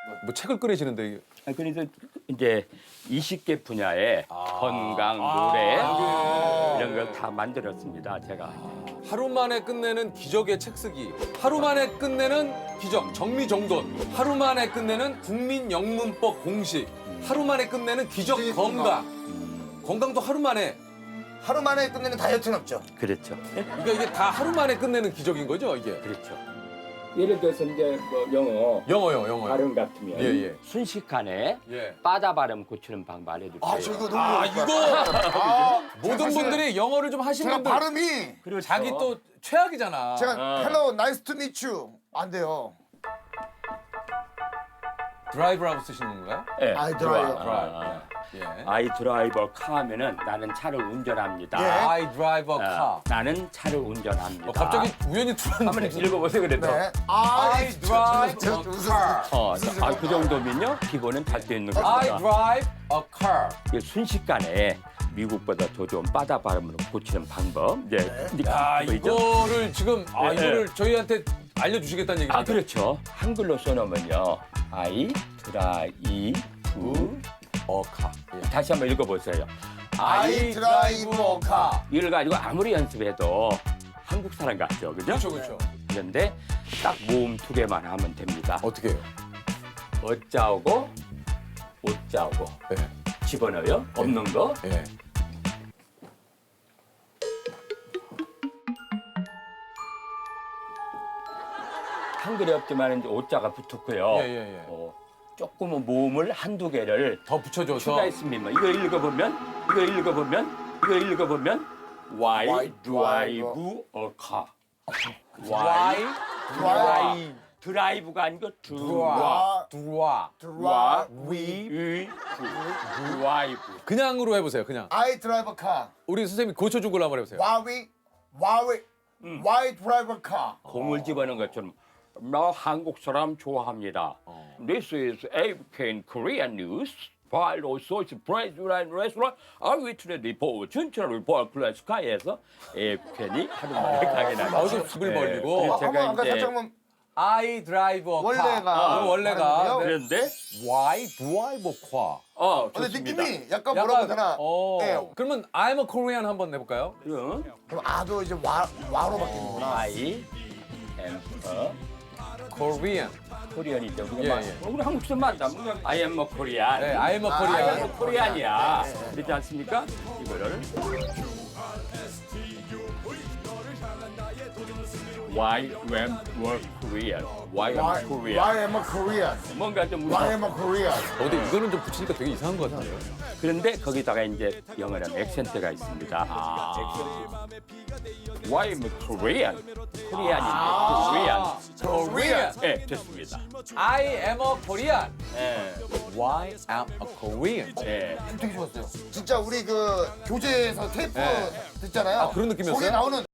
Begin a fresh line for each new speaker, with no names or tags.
뭐 책을 꺼내시는데
그래서 이제 20개 분야의 건강, 노래 이런 걸 다 만들었습니다. 제가.
하루 만에 끝내는 기적의 책 쓰기, 하루 만에 끝내는 기적 정리정돈, 하루 만에 끝내는 국민영문법 공식, 하루 만에 끝내는 기적 건강. 건강도 하루 만에.
하루 만에 끝내는 다이어트는 없죠.
그렇죠.
그러니까 이게 다 하루 만에 끝내는 기적인 거죠, 이게.
그렇죠. 예를 들어서 이제 뭐 영어 발음 같으면
예.
순식간에
예.
빠다 발음 고치는 방법 알려줄게요.
아, 저 이거 너무
아,
어렵다.
이거 모든 분들이 영어를 좀 하신
제가
분들
발음이
그렇죠.
자기 또 최악이잖아.
제가 hello, nice to meet you 안 돼요.
드라이브라고 쓰시는 건가요?
예,
I
좋아.
drive.
예.
I drive a car 하면은 나는 차를 운전합니다.
예.
I drive a car.
나는 차를 운전합니다.
갑자기 우연히
한번
들었는데.
읽어보세요 그래도.
네.
I drive
저
a
무슨
car.
그 정도면요 기본은 잘 돼 있는 겁니다.
I drive a car.
이게 순식간에 미국보다 더 좋은 빠다 발음으로 고치는 방법. 네.
야,
보이죠?
이거를 지금
예,
이거를 저희한테 알려주시겠다는 얘기죠?
아 그렇죠. 한글로 써놓으면요. I drive
a car.
다시 한번 읽어보세요.
I drive a car.
이걸 가지고 아무리 연습해도 한국 사람 같죠, 그죠?
그렇죠, 그렇죠.
그런데 딱 모음 두 개만 하면 됩니다.
어떻게 해요?
어짜오고 오짜오고
예.
집어넣어요. 없는 거.
예.
한글이 없지만 이제 오자가 붙었고요.
예.
조금은 모음을 한두 개를
더 붙여줘서.
추가했습니다. 이거 읽어보면 Why drive a car?
Why
drive.
드라이브가 아니고
들어와.
Drive.
드라이브.
그냥으로 해보세요. 그냥.
I drive a car.
우리 선생님이 고쳐준 걸로 한번 해보세요.
Why drive a car?
공을 집어넣은 것처럼 나 한국 사람 좋아합니다. This is AFK Korean News. While also surprise restaurant, I went to the report. 춘천 report 플러스 카에서 AFK이 하루 만에 가게 나죠.
어디 습을 벌리고.
그래서
한번
제가
아까
이제
살짝만
I drive a car.
원래가
원래가.
다른데요?
그런데
Why drive a car?
근데
좋습니다.
느낌이 약간 뭐라고 해야 되나? 예.
그러면 I'm a Korean 한번 해볼까요?
그럼
그럼 아도 이제 와로 바뀌는구나.
I am a
Korean.
코리안이죠.
예.
우리 한국 사람 맞다. I am a Korean.
네, I'm a
I
Korean.
am a Korean이야. 그렇지 않습니까? 이거를 Why am a Korean? Why am a Korean?
Why am I Korean?
뭔가 좀
Why am I Korean?
근데 이거는 좀 붙이니까 되게 이상한 것 같은데요?
그런데 거기다가 이제 영어는 액센트가 있습니다. Why am I Korean? 코리안인데 Korean.
Korean.
네, 됐습니다.
I am a Korean.
네.
Why am a Korean?
네.
되게 좋았어요. 진짜 우리 그 교재에서 테이프
네.
듣잖아요.
아, 그런 느낌이었어요?
거기에 나오는